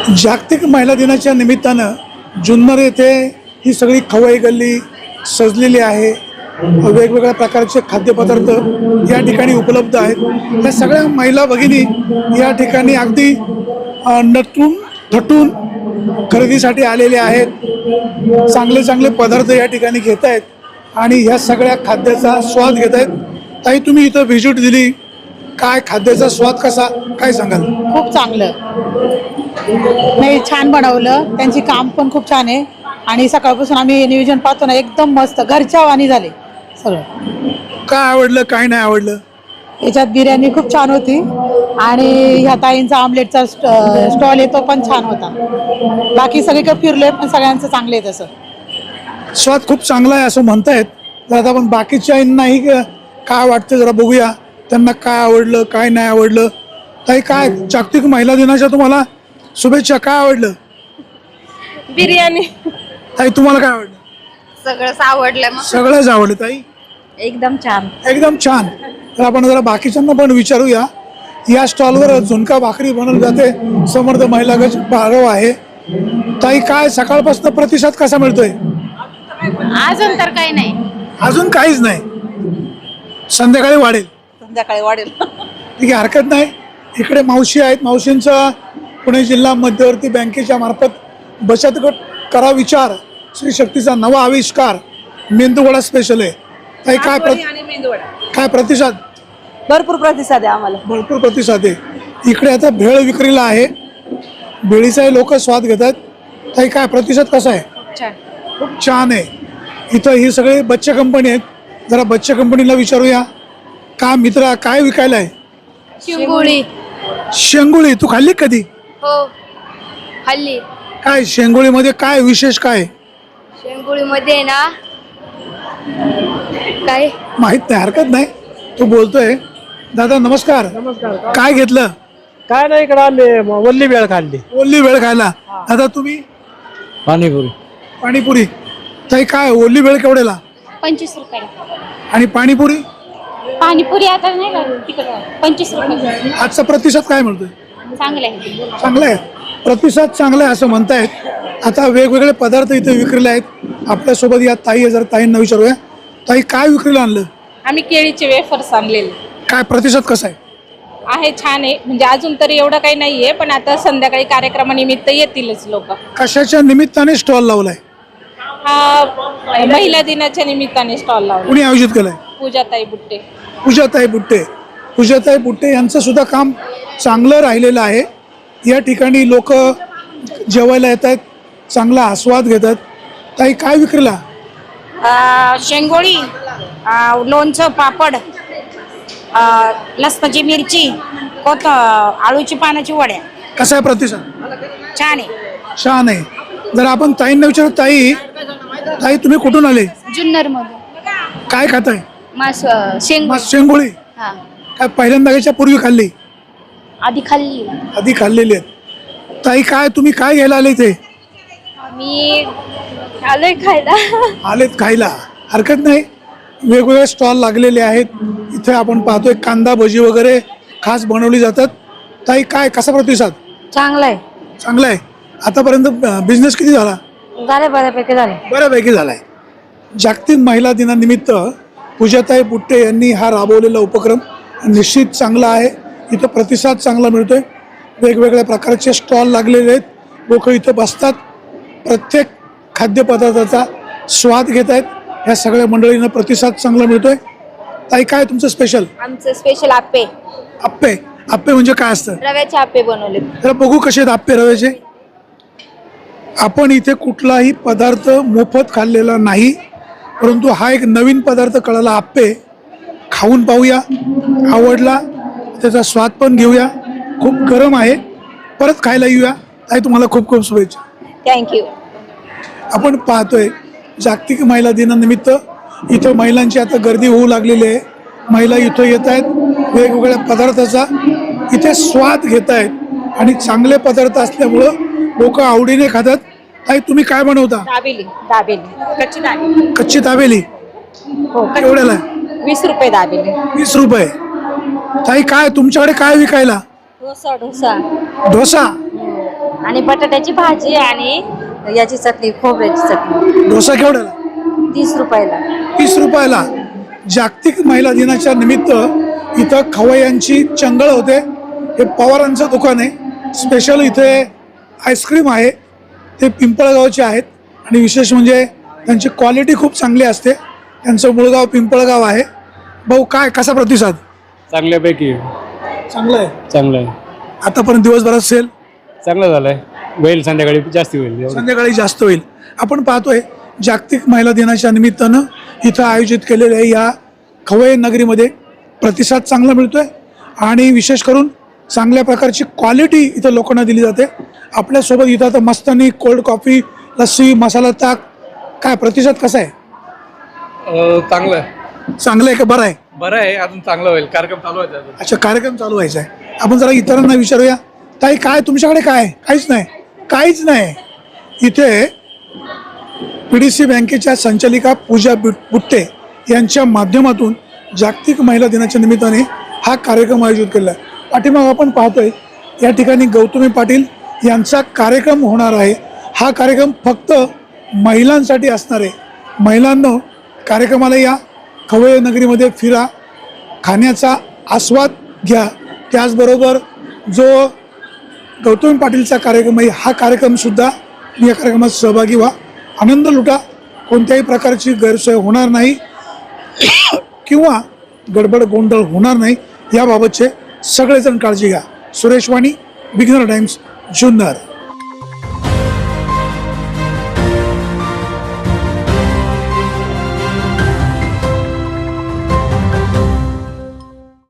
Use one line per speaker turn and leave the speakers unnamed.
जागतिक महिला दिनाच्या निमित्तानं जुन्नर येथे ही सगळी खवई गल्ली सजलेली आहे. वेगवेगळ्या प्रकारचे खाद्यपदार्थ या ठिकाणी उपलब्ध आहेत. या सगळ्या महिला भगिनी या ठिकाणी अगदी नटून थटून खरेदीसाठी आलेले आहेत. चांगले चांगले पदार्थ या ठिकाणी घेत आहेत आणि ह्या सगळ्या खाद्याचा स्वाद घेत आहेत. ताई, तुम्ही इथं व्हिजिट दिली, काय खाद्याचा स्वाद कसा, काय सांगाल?
खूप चांगलं नाही, छान बनवलं. त्यांची काम पण खूप छान आहे आणि सकाळपासून आम्ही नियोजन पाहतो ना, एकदम मस्त घरच्या वाणी झाले सगळं.
काय आवडलं, काय नाही आवडलं?
याच्यात बिर्याणी खूप छान होती आणि ह्या ताईंचा ऑमलेटचा स्टॉल आहे तो पण छान होता. बाकी सगळीकडे फिरले पण सगळ्यांचं चांगलं आहे. तसं
स्वाद खूप चांगला आहे असं म्हणतायत. तर आता आपण बाकीच्यांनाही काय वाटतं जरा बघूया, त्यांना काय आवडलं, काय नाही आवडलं. ताई, काय जागतिक महिला दिनाच्या तुम्हाला शुभेच्छा. काय आवडलं?
बिर्याणी.
ताई, तुम्हाला काय आवडलं?
सगळंच आवडलं.
सगळंच आवडलं. ताई,
एकदम छान.
एकदम छान. तर आपण जरा बाकीच्यांना पण विचारूया. या स्टॉलवर झुणका भाकरी बनवली जाते. समर्थ महिला गट बारव आहे. ताई, काय सकाळपासून प्रतिसाद कसा मिळतोय?
अजून तर काही नाही.
अजून काहीच नाही, संध्याकाळी वाढेल.
संध्याकाळी वाढेल.
ठीक आहे, हरकत नाही. इकडे मावशी आहेत. मावशींचा पुणे जिल्हा मध्यवर्ती बँकेच्या मार्फत बचत गट करा विचार श्री शक्तीचा नवा आविष्कार मेंदूवडा स्पेशल आहे. ताई, काय प्रतिसाद?
भरपूर प्रतिसाद आहे आम्हाला.
भरपूर प्रतिसाद आहे. इकडे आता भेळ विक्रीला आहे. भेळीचाही लोक स्वाद घेतात. ताई, काय प्रतिसाद कसा आहे? खूप छान आहे. इथं ही सगळी बच्चे कंपनी आहेत. जरा बच्चे कंपनीला विचारूया. का मित्रा, काय विकायला आहे?
शेंगुळी.
शेंगुळी. तू खाल्ली कधी?
हो, हल्ली.
काय शेंगुळीमध्ये काय विशेष, काय
शेंगुळीमध्ये ना काय
माहित नाही, हरकत नाही. तू बोलतोय. दादा नमस्कार. काय घेतलं?
काय नाही, इकडे आले वल्ली वेळ खाल्ली.
ओली वेळ खायला. दादा तुम्ही?
पाणीपुरी.
पाणीपुरी. ताई, काय ओली वेळ केवढ्याला
25 रुपयाला.
आणि पाणीपुरी?
पाणीपुरी आता नाही का तिकडं 25 रुपये.
आजचा प्रतिसाद काय मिळतोय?
चांगलं आहे.
चांगला आहे. प्रतिसाद चांगला आहे असं म्हणतायत. आता वेगवेगळे पदार्थ इथे विक्रीला आहेत. आपल्यासोबत या ताई आहे. जर ताईंना विचारूया. ताई, काय विक्रीला आणलं?
आम्ही केळीचे वेफर्स आणलेले
काय प्रतिसाद कसा आहे?
आहे, छान आहे. म्हणजे अजून तरी एवढं काही नाहीये, पण आता संध्याकाळी कार्यक्रमानिमित्त येतीलच लोक.
कशाच्या निमित्ताने स्टॉल लावलाय?
हा महिला दिनाच्या निमित्ताने स्टॉल लावला.
कुणी आयोजित केलाय?
पूजाताई बुट्टे.
पूजाताई बुट्टे. पूजाताई बुट्टे यांचं सुद्धा काम चांगलं राहिलेलं आहे. या ठिकाणी लोक जेवायला येत आहेत, चांगला आस्वाद घेतात. ताई, काय विक्रीला?
शेंगोळी, लोणचं, पापड, लसणाची मिरची, आळूची पानाची वड्या.
कसा आहे प्रतिसाद?
छान आहे.
छान आहे. जर आपण ताईंना विचारू. ताई, ताई तुम्ही कुठून आले?
जुन्नर मधून.
काय खाताय?
शेंगुळी.
शेंगोळी. काय पहिल्यांदा याच्या पूर्वी खाल्ली?
आधी खाल्ली.
आधी खाल्लेली आहेत. ताई, काय तुम्ही काय घ्यायला आले इथे?
मी आलोय खायला.
आलेत खायला, हरकत नाही. वेगवेगळे स्टॉल लागलेले आहेत. इथे आपण पाहतोय कांदा भजी वगैरे खास बनवली जातात. ताई, काय कसा प्रतिसाद?
चांगलं आहे.
चांगला आहे. आतापर्यंत बिझनेस किती झाला?
झाले, बऱ्यापैकी झाले.
बऱ्यापैकी झाला आहे. जागतिक महिला दिनानिमित्त पूजाताई बुट्टे यांनी हा राबवलेला उपक्रम निश्चित चांगला आहे. इथं प्रतिसाद चांगला मिळतोय. वेगवेगळ्या प्रकारचे स्टॉल लागलेले आहेत. लोक इथं बसतात, प्रत्येक खाद्यपदार्थाचा स्वाद घेत आहेत. ह्या सगळ्या मंडळींना प्रतिसाद चांगला मिळतोय. ताई, काय तुमचं स्पेशल?
आमचं स्पेशल आप्पे.
आप्पे. आप्पे म्हणजे काय असतं?
रव्याचे आप्पे बनवले.
जरा बघू कसे आहेत आप्पे रव्याचे. आपण इथे कुठलाही पदार्थ मोफत खाल्लेला नाही, परंतु हा एक नवीन पदार्थ कळाला. आप्पे खाऊन पाहूया. आवडला त्याचा स्वाद पण घेऊया. खूप गरम आहे. परत खायला येऊया. ताई, तुम्हाला खूप खूप शुभेच्छा.
थँक्यू.
आपण पाहतोय जागतिक महिला दिनानिमित्त इथं महिलांची आता गर्दी होऊ लागलेली आहे. महिला इथं येत आहेत, वेगवेगळ्या पदार्थाचा इथे स्वाद घेत आहेत आणि चांगले पदार्थ असल्यामुळं लोक आवडीने खातात. ताई, तुम्ही काय बनवता?
दाबेली. कच्ची दाबेली.
कच्ची दाबेली.
हो.
एवढ्याला
20 रुपये दाबेली.
20 रुपये. ताई, काय तुमच्याकडे काय विकायला?
डोसा.
डोसा.
आणि बटाट्याची भाजी आणि याची चटणी, खोबऱ्याची चटणी.
डोसा केवढ्याला?
30 रुपयाला.
30 रुपयाला. जागतिक महिला दिनाच्या निमित्त इथं खवय्यांची चंगळ होते. हे पवारांचं दुकान आहे. स्पेशल इथे आईस्क्रीम आहे, ते पिंपळगावचे आहेत आणि विशेष म्हणजे त्यांची क्वालिटी खूप चांगली असते. त्यांचं मूळगाव पिंपळगाव आहे. भाऊ काय कसा प्रतिसाद?
चांगल्यापैकी
चांगलं आहे.
चांगलं आहे.
आतापर्यंत दिवसभरात सेल
चांगलं झालंय. होईल संध्याकाळी जास्त होईल. एवढं.
संध्याकाळी जास्त होईल. आपण पाहतोय जागतिक महिला दिनाच्या निमित्तानं इथं आयोजित केलेल्या या खवय नगरीमध्ये प्रतिसाद चांगला मिळतोय आणि विशेष करून चांगल्या प्रकारची क्वालिटी इथं लोकांना दिली जाते. आपल्यासोबत इथं आता मस्तानी कोल्ड कॉफी, लस्सी, मसाला ताक, काय प्रतिसाद कसा आहे?
चांगलं आहे.
चांगलं आहे का बरं आहे?
बरं आहे, अजून चांगलं होईल. कार्यक्रम चालू आहे अजून.
अच्छा, कार्यक्रम चालू व्हायचा आहे. आपण जरा इतरांना विचारूया. ताई काय तुमच्याकडे काय आहे? काहीच नाही. काहीच नाही. इथे PDC बँकेच्या संचालिका पूजा बुट्टे यांच्या माध्यमातून जागतिक महिला दिनाच्या निमित्ताने हा कार्यक्रम आयोजित केला आहे. पाठीमाग आपण पाहतोय या ठिकाणी गौतमी पाटील यांचा कार्यक्रम होणार आहे. हा कार्यक्रम फक्त महिलांसाठी असणार आहे. महिलांनो, कार्यक्रमाला या, खवय नगरीमध्ये फिरा, खाण्याचा आस्वाद घ्या. त्याचबरोबर जो गौतमी पाटीलचा कार्यक्रम आहे हा कार्यक्रमसुद्धा या कार्यक्रमात सहभागी व्हा, आनंद लुटा. कोणत्याही प्रकारची गैरसोय होणार नाही किंवा गडबड गोंधळ होणार नाही याबाबतचे सगळेजण काळजी घ्या. Suresh Wani, beginner times, Junnar.